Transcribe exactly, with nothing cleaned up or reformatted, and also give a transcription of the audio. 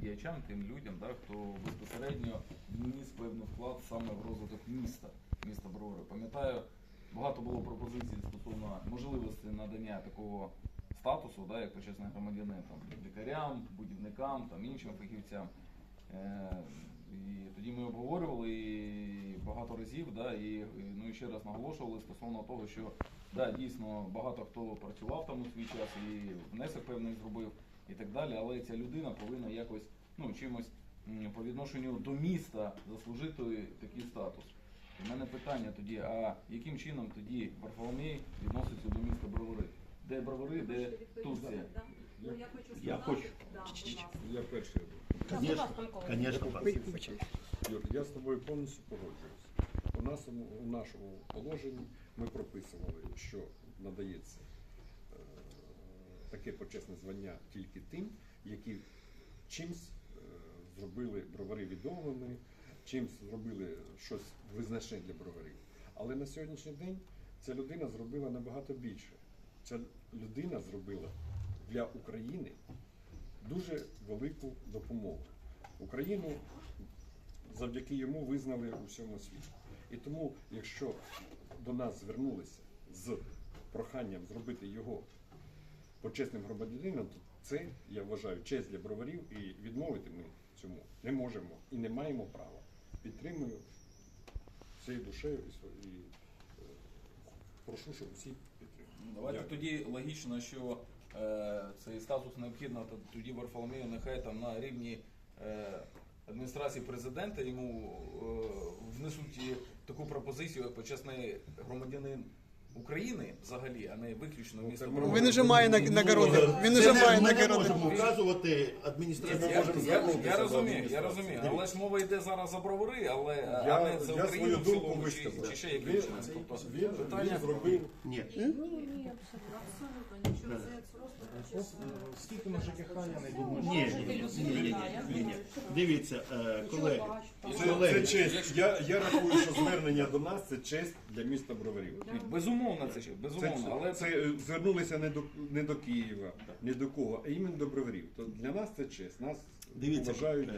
діячам, тим людям, да, хто безпосередньо вніс певний вклад саме в розвиток міста, міста Бровари. Пам'ятаю, багато було пропозицій стосовно можливості надання такого статусу, да, як почесний громадянин, там, лікарям, будівникам, там, іншим фахівцям. Е, і тоді ми обговорювали і багато разів, да, і, і, ну, і ще раз наголошували стосовно того, що да, дійсно багато хто працював там у свій час і внесок певний зробив і так далі, але ця людина повинна якось, ну, чимось м, по відношенню до міста заслужити такий статус. У мене питання тоді, а яким чином тоді Варфоломій відноситься до міста Бровари? Де Бровари, де Турція? Ну, я хочу сказати, Я хочу. да, будь ласка. Я перший. Конечно, конечно, пан. Юр, я з тобою повністю погоджуюсь. У нас у нашому положенні ми прописували, що надається е, таке почесне звання тільки тим, які чимсь е, зробили бровари відомими, чимсь зробили щось визначне для броварів. Але на сьогоднішній день ця людина зробила набагато більше. Ця людина зробила для України дуже велику допомогу. Україну завдяки йому визнали у всьому світі. І тому, якщо до нас звернулися з проханням зробити його почесним громадянином, то це, я вважаю, честь для броварів, і відмовити ми цьому не можемо і не маємо права. Підтримую всією душею і, і е, прошу, щоб всі підтримали. Давайте Дякую. тоді логічно, що е, цей статус необхідно, то тоді Варфоломію нехай там на рівні е, адміністрації президента йому е, внесуть і таку пропозицію, як почесний громадянин України взагалі, а не виключно місто це Бровари. Він уже має на- нагороди. Він уже Це має Ми не нагороди. можемо вказувати Я, адміністрацію. я, можемо я, звернутися я до розумію, я адміністрації. розумію, але ж мова йде зараз за Бровари, але Я, а не за я Україну свою в думку цілому, чи, висказав. чи ще Він, яким чином. Тобто, він, питання він зробив. Ні. Ні, ні, абсолютно, абсолютно нічого. Це просто почесне. Скільки на ЖКХ, я не думаю. Ні, ні, ні, ні, ні, ні. Дивіться, е, колеги, Це, колеги, це честь. Я, я рахую, що звернення до нас це честь для міста Броварів. Безумовно, це ще, Це, безумовно, але це е, звернулися не до, не до Києва, не до кого, а іменно до Броварів. То для нас це честь. Нас Дивіться, вважають.